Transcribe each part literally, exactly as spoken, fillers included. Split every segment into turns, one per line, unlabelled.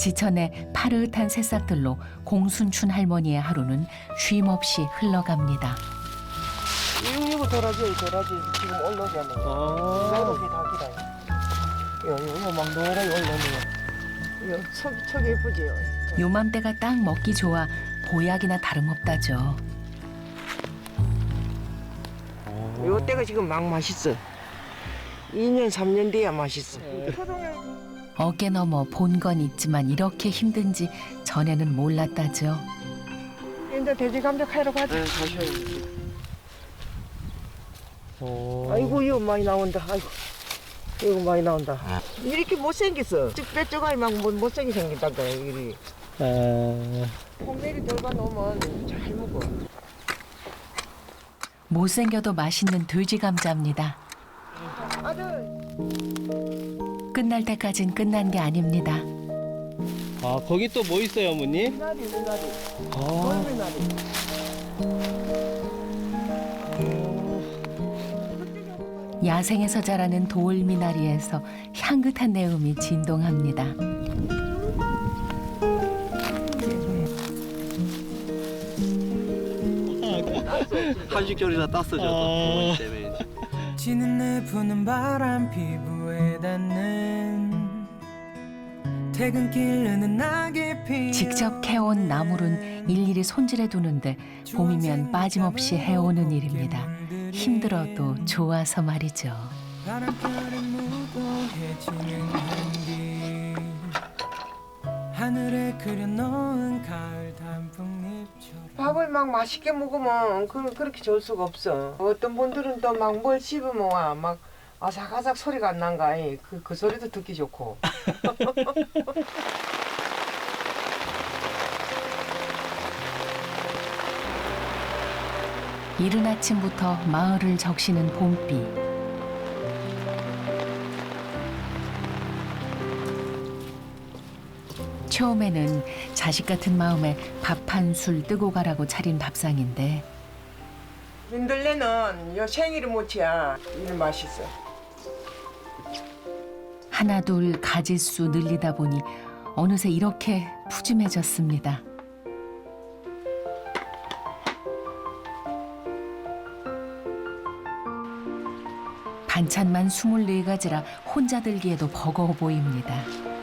지천의 파릇한 새싹들로 공순춘 할머니의 하루는 쉼없이 흘러갑니다.
이거 이거 도라지 도라지 지금 올라오잖아요.
아.
노랗게 다 기다요. 이거 이거 막 노랗게 올라오네요. 이거 척 척이 예쁘지요.
요맘때가 딱 먹기 좋아 보약이나 다름없다죠.
요 때가 지금 막 맛있어. 이 년 삼 년 뒤야 맛있어.
어깨 너머 본 건 있지만 이렇게 힘든지 전에는 몰랐다죠.
이제 돼지 감자 캐러 가자.
네, 가셔요. 어.
아이고 이거 많이 나온다. 아이고 이거 많이 나온다. 이렇게 못생겼어. 쭉 빼쪽아이 막 못- 못생기 생겼다 그래. 이리.
아.
콩내리 돌봐 놓으면 잘 먹어.
못생겨도 맛있는 돼지 감자입니다.
아들.
끝날 때까진 끝난 게 아닙니다.
아, 거기 또 뭐 있어요, 어머니?
미나리 미나리.
아.
돌미나리.
야생에서 자라는 돌미나리에서 향긋한 내음이 진동합니다.
한식결이나 땄어, 저도. 어머니 때문에.
지는 내 부는 바람 피부에 닿는 퇴근길 흐는 낙이 피
직접 캐온 나물은 일일이 손질해 두는데 봄이면 빠짐없이 해오는 일입니다. 힘들어도 좋아서 말이죠.
바람결에 무거워해지는 향기 하늘에 그려놓은 가을 단풍잎처럼
밥을 막 맛있게 먹으면 그, 그렇게 좋을 수가 없어. 어떤 분들은 또 막 뭘 씹으면 와, 막 아삭아삭 소리가 안 난가. 그, 그 소리도 듣기 좋고.
이른 아침부터 마을을 적시는 봄비. 처음에는 자식 같은 마음에 밥 한 술 뜨고 가라고 차린 밥상인데
민들레는 요 생일이 못이야. 일 맛있어.
하나둘 가짓수 늘리다 보니 어느새 이렇게 푸짐해졌습니다. 반찬만 스물네 가지라 혼자 들기에도 버거워 보입니다.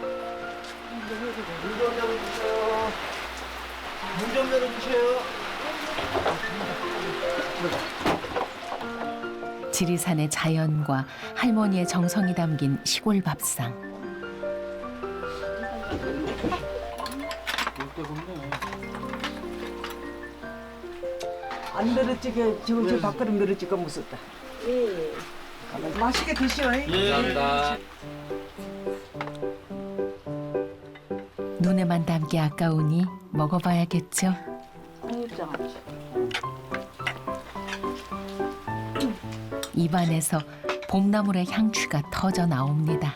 문 좀 열어주세요. 문 좀 열어주세요.
지리산의 자연과 할머니의 정성이 담긴 시골 밥상.
안 늘어지게 지금 저 밥그릇 늘어지고 무섭다. 예. 맛있게 드시오.
예. 감사합니다.
눈에만 담기 아까우니 먹어봐야겠죠. 입안에서 봄나물의 향취가 터져 나옵니다.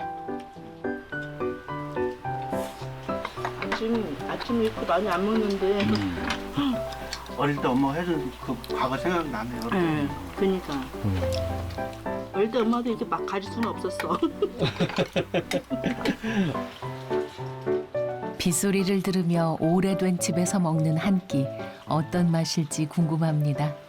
아침 아침 이렇게 많이 안 먹는데.
어릴 때 엄마가 해준 그 과거 생각나네요.
응. 그러니까. 어릴 때 엄마도 이렇게 막 가질 수는 없었어.
빗소리를 들으며 오래된 집에서 먹는 한 끼 어떤 맛일지 궁금합니다.